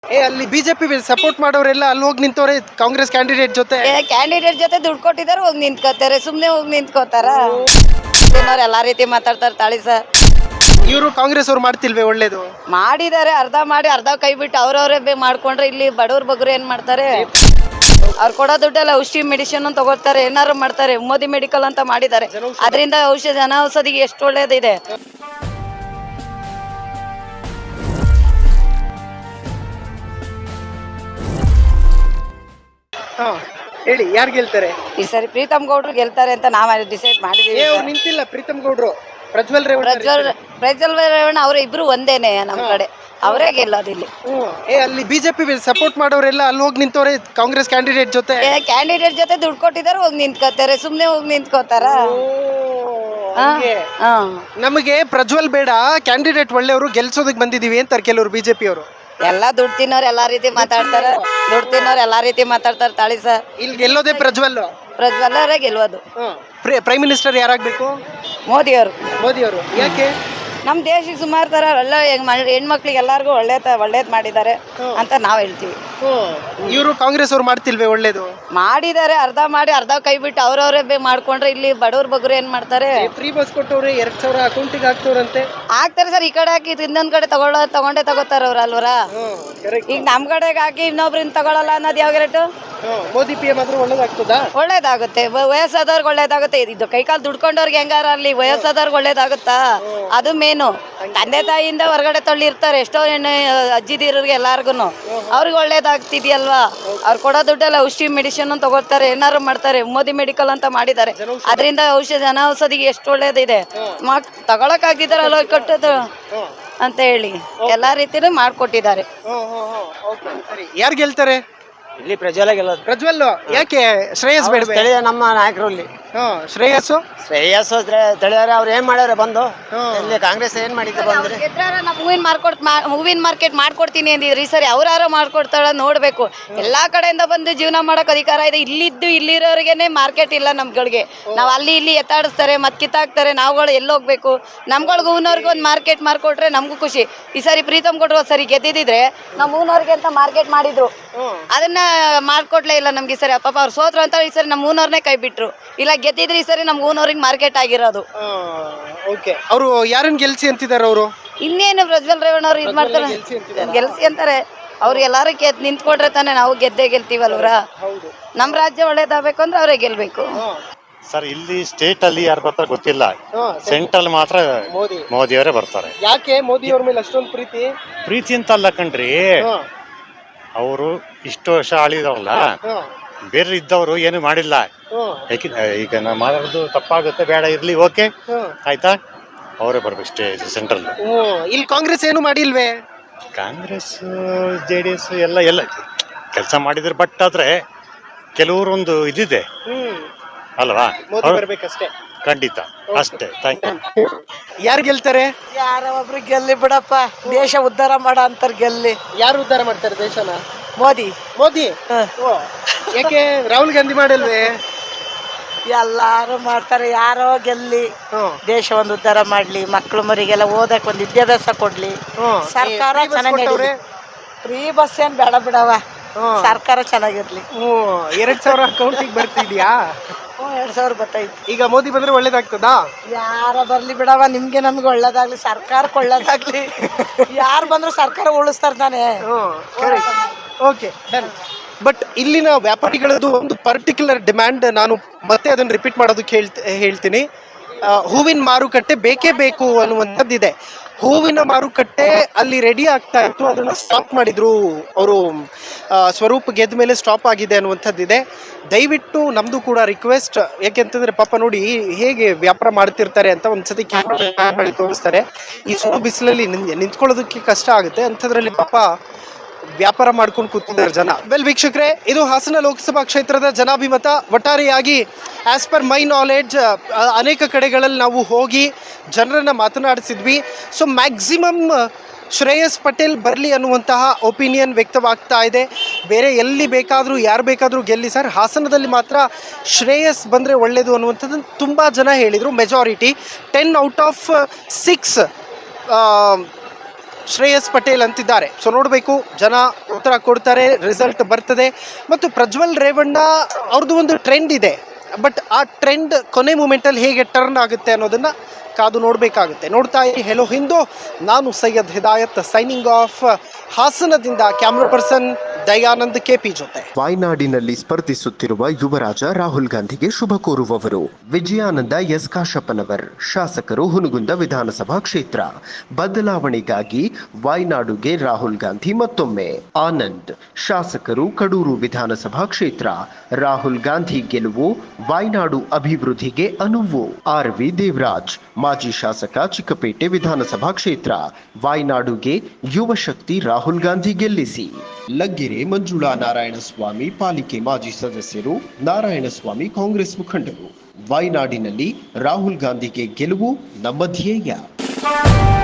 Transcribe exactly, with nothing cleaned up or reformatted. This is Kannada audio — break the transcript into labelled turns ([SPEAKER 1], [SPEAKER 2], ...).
[SPEAKER 1] ಏ ಅಲ್ಲಿ ಬಿಜೆಪಿ ಸಪೋರ್ಟ್ ಮಾಡೋರೆಲ್ಲ ಅಲ್ಲಿ ಹೋಗಿ ನಿಂತವ್ರೆ ಕಾಂಗ್ರೆಸ್ ಕ್ಯಾಂಡಿಡೇಟ್ ಜೊತೆ.
[SPEAKER 2] ಕ್ಯಾಂಡಿಡೇಟ್ ಜೊತೆ ದುಡ್ಡು ಕೊಟ್ಟಿದ್ದಾರೆ, ಹೋಗಿ ನಿಂತ್ಕೋತಾರೆ. ಸುಮ್ನೆ ಹೋಗಿ ನಿಂತ್ಕೋತಾರ. ಎಲ್ಲಾ ರೀತಿ ಮಾತಾಡ್ತಾರೆ ತಾಳಿ ಸರ್.
[SPEAKER 1] ಇವರು ಕಾಂಗ್ರೆಸ್ ಅವ್ರು ಮಾಡ್ತಿಲ್ವೇ ಒಳ್ಳೇದು?
[SPEAKER 2] ಮಾಡಿದ್ದಾರೆ, ಅರ್ಧ ಮಾಡಿ ಅರ್ಧ ಕೈ ಬಿಟ್ಟು ಅವ್ರವ್ರೇ ಮಾಡ್ಕೊಂಡ್ರೆ ಇಲ್ಲಿ ಬಡವ್ರ ಬಗ್ರು ಏನ್ ಮಾಡ್ತಾರೆ? ಅವ್ರು ಕೊಡೋ ದುಡ್ಡೆಲ್ಲ ಔಷಧಿ ಮೆಡಿಸಿನ್ ತಗೋತಾರೆ, ಏನಾರು ಮಾಡ್ತಾರೆ. ಮೋದಿ ಮೆಡಿಕಲ್ ಅಂತ ಮಾಡಿದ್ದಾರೆ, ಅದರಿಂದ ಔಷಧಿ ಜನ ಔಷಧಿಗೆ ಎಷ್ಟು ಒಳ್ಳೇದಿದೆ.
[SPEAKER 1] ಹಾ ಹೇಳಿ, ಯಾರು ಗೆಲ್ತಾರೆ
[SPEAKER 2] ಈ ಸರಿ ಪ್ರೀತಮ್ ಗೌಡ್ರು ಗೆಲ್ತಾರೆ ಅಂತ ನಾವ್ ಡಿಸೈಡ್ ಮಾಡಿದೀವಿ.
[SPEAKER 1] ಏ ಅವ್ರು ನಿಂತಿಲ್ಲ ಪ್ರೀತಮ್ ಗೌಡ್ರು, ಪ್ರಜ್ವಲ್ ರೇವಣ್ಣ.
[SPEAKER 2] ಪ್ರಜ್ವಲ್ ಪ್ರಜ್ವಲ್ ರೇವಣ್ಣ ಅವ್ರ ಇಬ್ರು ಒಂದೇನೆ ನಮ್ ಕಡೆ, ಅವರೇ ಗೆಲ್ಲೋದು ಇಲ್ಲಿ.
[SPEAKER 1] ಏ ಅಲ್ಲಿ ಬಿಜೆಪಿ ಸಪೋರ್ಟ್ ಮಾಡೋರೆಲ್ಲ ಅಲ್ಲಿ ಹೋಗಿ ನಿಂತವ್ರೆ ಕಾಂಗ್ರೆಸ್ ಕ್ಯಾಂಡಿಡೇಟ್ ಜೊತೆ.
[SPEAKER 2] ಕ್ಯಾಂಡಿಡೇಟ್ ಜೊತೆ ದುಡ್ಡು ಕೊಟ್ಟಿದ್ದಾರೆ, ಹೋಗಿ ನಿಂತ್ಕೋತಾರೆ. ಸುಮ್ನೆ ಹೋಗಿ ನಿಂತ್ಕೋತಾರ.
[SPEAKER 1] ನಮಗೆ ಪ್ರಜ್ವಲ್ ಬೇಡ, ಕ್ಯಾಂಡಿಡೇಟ್ ಒಳ್ಳೆಯವರು, ಗೆಲ್ಸೋದಕ್ಕೆ ಬಂದಿದೀವಿ ಅಂತಾರೆ ಕೆಲವರು ಬಿಜೆಪಿ ಅವರು.
[SPEAKER 2] ಎಲ್ಲಾ ದುಡ್ಡು ತಿನ್ನೋರು ಎಲ್ಲಾ ರೀತಿ ಮಾತಾಡ್ತಾರ, ದುಡ್ಡು ತಿನ್ನೋರು ಎಲ್ಲಾ ರೀತಿ ಮಾತಾಡ್ತಾರ ತಾಳಿ ಸರ್.
[SPEAKER 1] ಇಲ್ಲಿ ಗೆಲ್ಲೋದೇ ಪ್ರಜ್ವಲ್.
[SPEAKER 2] ಪ್ರಜ್ವಲ್ ಅವರೇ ಗೆಲ್ಲೋದು.
[SPEAKER 1] Prime minister ಯಾರಾಗಬೇಕು?
[SPEAKER 2] ಮೋದಿ ಅವರು.
[SPEAKER 1] ಮೋದಿ ಅವರು. ಯಾಕೆ?
[SPEAKER 2] ನಮ್ ದೇಶಕ್ಕೆ ಸುಮಾರು ತರ ಒಳ್ಳೆ ಹೆಣ್ಮಕ್ಳಿಗೆ ಎಲ್ಲಾರ್ಗು ಒಳ್ಳೆ ಒಳ್ಳೇದ್ ಮಾಡಿದ್ದಾರೆ ಅಂತ ನಾವ್ ಹೇಳ್ತೀವಿ.
[SPEAKER 1] ಇವರು ಕಾಂಗ್ರೆಸ್ ಅವ್ರು ಮಾಡ್ತಿಲ್ವೇ ಒಳ್ಳೇದು?
[SPEAKER 2] ಮಾಡಿದ್ದಾರೆ, ಅರ್ಧ ಮಾಡಿ ಅರ್ಧ ಕೈ ಬಿಟ್ಟು ಅವ್ರವ್ರೇ ಮಾಡ್ಕೊಂಡ್ರೆ ಇಲ್ಲಿ ಬಡವ್ರ ಬಗ್ರು ಏನ್ ಮಾಡ್ತಾರೆ?
[SPEAKER 1] ಫ್ರೀ ಬಸ್ ಕೊಟ್ಟವ್ರೆ, ಎರಡ್ ಸಾವಿರ ಅಕೌಂಟಿಗೆ ಹಾಕ್ತವ್ರಂತೆ.
[SPEAKER 2] ಹಾಕ್ತಾರೆ ಸರ್, ಈ ಕಡೆ ಹಾಕಿ ಇನ್ನೊಂದ್ ಕಡೆ ತಗೊಳ್ಳೋ ತಗೊಂಡೇ ತಗೋತಾರ ಅವ್ರ ಅಲ್ವರ. ಈಗ ನಮ್ ಕಡೆಗೆ ಹಾಕಿ ಇನ್ನೊಬ್ರಿಂದ ತಗೊಳಲ್ಲ ಅನ್ನೋದು ಯಾವ ರೇಟು?
[SPEAKER 1] ಮೋದಿ ಪಿ ಎಂ ಆದ್ರೂ ಒಳ್ಳೇದಾಗ್ತದ?
[SPEAKER 2] ಒಳ್ಳೇದಾಗುತ್ತೆ, ವಯಸ್ಸಾದವ್ರಿಗೆ ಒಳ್ಳೇದಾಗುತ್ತೆ. ಇದು ಕೈಕಾಲು ದುಡ್ಕೊಂಡವ್ರಿಗೆ ಹೆಂಗಾರ ಅಲ್ಲಿ ವಯಸ್ಸಾದವ್ರಿಗೆ ಒಳ್ಳೇದಾಗುತ್ತಾ? ಅದು ಮೇನು. ತಂದೆ ತಾಯಿಯಿಂದ ಹೊರಗಡೆ ತಳ್ಳಿರ್ತಾರೆ ಎಷ್ಟೋ ಹೆಣ್ಣು ಅಜ್ಜಿದಿರಿಗೆ ಎಲ್ಲಾರ್ಗು, ಅವ್ರಿಗೆ ಒಳ್ಳೇದಾಗ್ತಿದ್ಯಲ್ವಾ? ಅವ್ರು ಕೊಡೋ ದುಡ್ಡೆಲ್ಲ ಔಷಧಿ ಮೆಡಿಸಿನ್ ತಗೋತಾರೆ, ಏನಾರು ಮಾಡ್ತಾರೆ. ಮೋದಿ ಮೆಡಿಕಲ್ ಅಂತ ಮಾಡಿದ್ದಾರೆ, ಅದರಿಂದ ಔಷಧಿ ಜನ ಔಷಧಿಗೆ ಎಷ್ಟು ಒಳ್ಳೇದಿದೆ. ತಗೊಳಕ್ ಆಗಿದ್ದಾರೆ ಅಲ್ಲ ಕಟ್ಟೋದು ಅಂತ ಹೇಳಿ ಎಲ್ಲಾ ರೀತಿನೂ ಮಾಡ್ಕೊಟ್ಟಿದ್ದಾರೆ.
[SPEAKER 1] ಯಾರು ಗೆಲ್ತಾರೆ
[SPEAKER 3] ಇಲ್ಲಿ? ಪ್ರಜ್ವಲ ಗೆಲ್ಲೋದು.
[SPEAKER 1] ಪ್ರಜ್ವಲ್. ಯಾಕೆ? ಶ್ರೇಯಸ್ ಬೇಡ?
[SPEAKER 3] ಸ್ಥಳೀಯ ನಮ್ಮ ನಾಯಕರು ಇಲ್ಲಿ.
[SPEAKER 1] ಶ್ರೇಯಸ್ಸು
[SPEAKER 3] ಶ್ರೇಯಸ್ ತಿಳಿಯಾರೆ ಅವ್ರು ಏನ್ ಮಾಡ್ಯಾರ ಬಂದು ಇಲ್ಲಿ? ಕಾಂಗ್ರೆಸ್ ಏನ್ ಮಾಡಿದ್ರು ಬಂದ್ರೆ?
[SPEAKER 2] ಹೂವಿನ ಮಾರ್ಕೆಟ್ ಹೂವಿನ ಮಾರ್ಕೆಟ್ ಮಾಡ್ಕೊಡ್ತೀನಿ ಅಂದಿದ್ರಿ, ಸರಿ ಅವ್ರಾರು ಮಾಡ್ಕೊಡ್ತಾಳ ನೋಡ್ಬೇಕು. ಎಲ್ಲಾ ಕಡೆಯಿಂದ ಬಂದು ಜೀವನ ಮಾಡಕ್ ಅಧಿಕಾರ ಇದೆ. ಇಲ್ಲಿದ್ದು ಇಲ್ಲಿರೋರಿಗೇನೆ ಮಾರ್ಕೆಟ್ ಇಲ್ಲ ನಮ್ಗಳಿಗೆ. ನಾವ್ ಅಲ್ಲಿ ಇಲ್ಲಿ ಎತ್ತಾಡಿಸ್ತಾರೆ, ಮತ್ ಕಿತ್ತಾಕ್ತಾರೆ. ನಾವುಗಳು ಎಲ್ಲಿ ಹೋಗ್ಬೇಕು? ನಮ್ಗಳಿಗೆ ಹೂವಿನವ್ರಿಗೆ ಒಂದು ಮಾರ್ಕೆಟ್ ಮಾಡ್ಕೊಟ್ರೆ ನಮ್ಗೂ ಖುಷಿ. ಈ ಸರಿ ಪ್ರೀತಮ್ ಕೊಟ್ರು ಸರಿ ಗೆದ್ದಿದ್ರೆ ನಮ್ ಹೂವಿನವ್ರಿಗೆ ಅಂತ ಮಾರ್ಕೆಟ್ ಮಾಡಿದ್ರು, ಅದನ್ನ ಮಾಡ್ಕೊಡ್ಲೇ ಇಲ್ಲ ನಮ್ಗೆ. ಸರಿ ಪಾಪ ಅವ್ರು ಸೋತ್ರು ಅಂತ ಈ ಸರಿ ನಮ್ ಹೂನವ್ರನ್ನೇ ಕೈ ಬಿಟ್ರು. ಇಲ್ಲ ಗೆದ್ದಿದ್ರೆ ಈ ಸರಿ ನಮ್ ಹೂನವ್ರಿಗೆ ಮಾರ್ಕೆಟ್ ಆಗಿರೋದು.
[SPEAKER 1] ಅವರು ಯಾರನ್ನ ಗೆಲ್ಸಿ ಅಂತಿದಾರ? ಅವರು
[SPEAKER 2] ಇನ್ನೇನು ಪ್ರಜ್ವಲ್ ರೇವಣ್ಣ ಅವ್ರು ಇದ್ ಮಾಡ್ತಾರೆ, ಗೆಲ್ಸಿ ಅಂತಾರೆ. ಅವ್ರು ಎಲ್ಲಾರು ಗೆದ್ ನಿಂತ್ಕೊಂಡ್ರೆ ತಾನೆ ನಾವು ಗೆದ್ದೇ ಗೆಲ್ತೀವಲ್ವ್ರ. ನಮ್ ರಾಜ್ಯ ಒಳ್ಳೇದಾಗಬೇಕು ಅಂದ್ರೆ ಅವರೇ ಗೆಲ್ಬೇಕು.
[SPEAKER 4] ಸರ್ ಇಲ್ಲಿ ಸ್ಟೇಟ್ ಅಲ್ಲಿ ಯಾರು ಬರ್ತಾರೆ ಗೊತ್ತಿಲ್ಲ, ಸೆಂಟ್ರಲ್ ಮಾತ್ರ ಮೋದಿ ಅವರೇ ಬರ್ತಾರೆ.
[SPEAKER 1] ಯಾಕೆ ಮೋದಿ ಅವ್ರ ಮೇಲೆ ಅಷ್ಟೊಂದು ಪ್ರೀತಿ?
[SPEAKER 4] ಪ್ರೀತಿ ಅಂತ ಅಲ್ಲ ಕಣ್ರಿ, ಅವರು ಇಷ್ಟು ವರ್ಷ ಆಳಿದವಲ್ಲ, ಬೇರೆ ಇದ್ದವರು ಏನು ಮಾಡಿಲ್ಲ. ಈಗ ನಾವು ಮಾಡೋದು ತಪ್ಪಾಗುತ್ತೆ, ಬೇಡ ಇರ್ಲಿ, ಓಕೆ ಆಯ್ತಾ, ಅವರೇ ಬರ್ಬೇಕು ಸ್ಟೇಜ್ ಸೆಂಟ್ರಲ್.
[SPEAKER 1] ಇಲ್ಲಿ ಕಾಂಗ್ರೆಸ್ ಏನು ಮಾಡಿಲ್ವೇ?
[SPEAKER 4] ಕಾಂಗ್ರೆಸ್ ಜೆ ಡಿ ಎಸ್ ಎಲ್ಲ ಎಲ್ಲ ಕೆಲಸ ಮಾಡಿದ್ರೆ, ಬಟ್ ಆದ್ರೆ ಕೆಲವರೊಂದು ಇದಿದೆ ಅಲ್ವಾ,
[SPEAKER 1] ಬರ್ಬೇಕಷ್ಟೇ.
[SPEAKER 4] ಖಂಡಿತ ಅಷ್ಟೇ. Thank you.
[SPEAKER 1] ಯಾರು ಗೆಲ್ತಾರೆ?
[SPEAKER 5] ಯಾರ ಒಬ್ರು ಗೆಲ್ಲಿ ಬಿಡಪ್ಪ, ದೇಶ ಉದ್ಧಾರ ಮಾಡ ಅಂತಾರ ಗೆಲ್ಲಿ.
[SPEAKER 1] ಯಾರು ಉದ್ಧಾರ ಮಾಡ್ತಾರೆ ದೇಶನ?
[SPEAKER 5] ಮೋದಿ.
[SPEAKER 1] ಮೋದಿ. ಯಾಕೆ ರಾಹುಲ್ ಗಾಂಧಿ ಮಾಡಲ್ವೇ?
[SPEAKER 5] ಎಲ್ಲಾರು ಮಾಡ್ತಾರೆ, ಯಾರೋ ಗೆಲ್ಲಿ ದೇಶ ಒಂದು ಉದ್ಧಾರ ಮಾಡ್ಲಿ, ಮಕ್ಳು ಮರಿಗೆಲ್ಲ ಓದಕ್ ಒಂದು ವಿದ್ಯಾಭ್ಯಾಸ ಕೊಡ್ಲಿ. ಸರ್ಕಾರ ಚೆನ್ನಾಗಿ, ಫ್ರೀ ಬಸ್ ಏನ್ ಬೇಡ ಬಿಡವ, ಸರ್ಕಾರ ಚೆನ್ನಾಗಿರ್ಲಿ.
[SPEAKER 1] ಎರಡ್ ಸಾವಿರ ಅಕೌಂಟಿಗೆ ಬರ್ತಿದ್ಯಾ?
[SPEAKER 5] ಎರಡ್ ಸಾವಿರ ಬರ್ತೈತಿ.
[SPEAKER 1] ಈಗ ಮೋದಿ ಬಂದ್ರೆ ಒಳ್ಳೇದಾಗ್ತದಾ?
[SPEAKER 5] ಯಾರ ಬರ್ಲಿ ಬಿಡವ, ನಿಮ್ಗೆ ನಮ್ಗೆ ಒಳ್ಳೇದಾಗ್ಲಿ, ಸರ್ಕಾರಕ್ಕೆ ಒಳ್ಳೇದಾಗ್ಲಿ. ಯಾರು ಬಂದ್ರು ಸರ್ಕಾರ ಉಳಿಸ್ತಾರ ತಾನೆ.
[SPEAKER 1] Okay done. ಬಟ್ ಇಲ್ಲಿನ ವ್ಯಾಪಾರಿಗಳದ್ದು ಒಂದು ಪರ್ಟಿಕ್ಯುಲರ್ ಡಿಮ್ಯಾಂಡ್, ನಾನು ಮತ್ತೆ ಅದನ್ನು ರಿಪೀಟ್ ಮಾಡೋದಕ್ಕೆ ಹೇಳ್ತ ಹೇಳ್ತೀನಿ. ಹೂವಿನ ಮಾರುಕಟ್ಟೆ ಬೇಕೇ ಬೇಕು ಅನ್ನುವಂಥದ್ದಿದೆ. ಹೂವಿನ ಮಾರುಕಟ್ಟೆ ಅಲ್ಲಿ ರೆಡಿ ಆಗ್ತಾ ಇತ್ತು, ಅದನ್ನು ಸ್ಟಾಪ್ ಮಾಡಿದ್ರು ಅವರು. ಸ್ವರೂಪ್ ಗೆದ್ದ ಮೇಲೆ ಸ್ಟಾಪ್ ಆಗಿದೆ ಅನ್ನುವಂಥದ್ದಿದೆ. ದಯವಿಟ್ಟು ನಮ್ಮದು ಕೂಡ ರಿಕ್ವೆಸ್ಟ್, ಯಾಕೆಂತಂದರೆ ಪಾಪ ನೋಡಿ ಹೇಗೆ ವ್ಯಾಪಾರ ಮಾಡ್ತಿರ್ತಾರೆ ಅಂತ ಒಂದ್ಸತಿ ಕ್ಯಾಮ್ರಾ ತೋರಿಸ್ತಾರೆ. ಈ ಸುಡು ಬಿಸಿಲಲ್ಲಿ ನಿಂತ್ಕೊಳ್ಳೋದಕ್ಕೆ ಕಷ್ಟ ಆಗುತ್ತೆ, ಅಂಥದ್ರಲ್ಲಿ ಪಾಪ ವ್ಯಾಪಾರ ಮಾಡ್ಕೊಂಡು ಕೂತಿದ್ದಾರೆ ಜನ. ವೆಲ್ ವೀಕ್ಷಕರೇ, ಇದು ಹಾಸನ ಲೋಕಸಭಾ ಕ್ಷೇತ್ರದ ಜನಾಭಿಮತ. ಒಟ್ಟಾರೆಯಾಗಿ ಆಸ್ ಪರ್ ಮೈ ನಾಲೆಡ್ಜ್ ಅನೇಕ ಕಡೆಗಳಲ್ಲಿ ನಾವು ಹೋಗಿ ಜನರನ್ನು ಮಾತನಾಡಿಸಿದ್ವಿ. ಸೊ ಮ್ಯಾಕ್ಸಿಮಮ್ ಶ್ರೇಯಸ್ ಪಟೇಲ್ ಬರಲಿ ಅನ್ನುವಂತಹ ಒಪಿನಿಯನ್ ವ್ಯಕ್ತವಾಗ್ತಾ ಇದೆ. ಬೇರೆ ಎಲ್ಲಿ ಬೇಕಾದರೂ ಯಾರು ಬೇಕಾದರೂ ಗೆಲ್ಲಿ ಸರ್, ಹಾಸನದಲ್ಲಿ ಮಾತ್ರ ಶ್ರೇಯಸ್ ಬಂದರೆ ಒಳ್ಳೆಯದು ಅನ್ನುವಂಥದ್ದನ್ನು ತುಂಬ ಜನ ಹೇಳಿದರು. Majority ten out of six Shreyas Patel ಅಂತಿದ್ದಾರೆ. ಸೊ ನೋಡಬೇಕು, ಜನ ಉತ್ತರ ಕೊಡ್ತಾರೆ, ರಿಸಲ್ಟ್ ಬರ್ತದೆ. ಮತ್ತು ಪ್ರಜ್ವಲ್ ರೇವಣ್ಣ ಅವ್ರದ್ದು ಒಂದು ಟ್ರೆಂಡ್ ಇದೆ, ಬಟ್ ಆ ಟ್ರೆಂಡ್ ಕೊನೆ ಮೂಮೆಂಟಲ್ಲಿ ಹೇಗೆ ಟರ್ನ್ ಆಗುತ್ತೆ ಅನ್ನೋದನ್ನು ಕಾದು ನೋಡಬೇಕಾಗುತ್ತೆ. ನೋಡ್ತಾ ಇರಿ ಹೆಲೋ ಹಿಂದೂ. ನಾನು ಸೈಯದ್ ಹಿದಾಯತ್ ಸೈನಿಂಗ್ ಆಫ್ ಹಾಸನದಿಂದ. ಕ್ಯಾಮ್ರಾ ಪರ್ಸನ್ ದಯಾನಂದ್ ಕೆಪಿ ಜೊತೆ.
[SPEAKER 6] ವಾಯ್ನಾಡಿನಲ್ಲಿ ಸ್ಪರ್ಧಿಸುತ್ತಿರುವ ಯುವರಾಜ ರಾಹುಲ್ ಗಾಂಧಿಗೆ ಶುಭ ಕೋರುವವರು ವಿಜಯಾನಂದ ಎಸ್ ಕಾಶಪ್ಪನವರ್, ಶಾಸಕರು ಹುನಗುಂದ ವಿಧಾನಸಭಾ ಕ್ಷೇತ್ರ. ಬದಲಾವಣೆಗಾಗಿ ವಾಯ್ನಾಡುಗೆ ರಾಹುಲ್ ಗಾಂಧಿ ಮತ್ತೊಮ್ಮೆ. ಆನಂದ್, ಶಾಸಕರು ಕಡೂರು ವಿಧಾನಸಭಾ ಕ್ಷೇತ್ರ. ರಾಹುಲ್ ಗಾಂಧಿ ಗೆಲುವು ವಾಯ್ನಾಡು ಅಭಿವೃದ್ಧಿಗೆ ಅನುವು. ಆರ್ ವಿ ದೇವರಾಜ್, ಮಾಜಿ ಶಾಸಕ, ಚಿಕ್ಕಪೇಟೆ ವಿಧಾನಸಭಾ ಕ್ಷೇತ್ರ. ವಾಯ್ನಾಡುಗೆ ಯುವ ಶಕ್ತಿ ರಾಹುಲ್ ಗಾಂಧಿ ಗೆಲ್ಲಿಸಿ. ಲಗ್ಗೆರೆ ಮಂಜುಳಾ ನಾರಾಯಣಸ್ವಾಮಿ, ಪಾಲಿಕೆ ಮಾಜಿ ಸದಸ್ಯರು. ನಾರಾಯಣಸ್ವಾಮಿ ಕಾಂಗ್ರೆಸ್ ಮುಖಂಡರು. ವಾಯ್ನಾಡಿನಲ್ಲಿ ರಾಹುಲ್ ಗಾಂಧಿಗೆ ಗೆಲುವು ನಮ್ಮ ಧ್ಯೇಯ.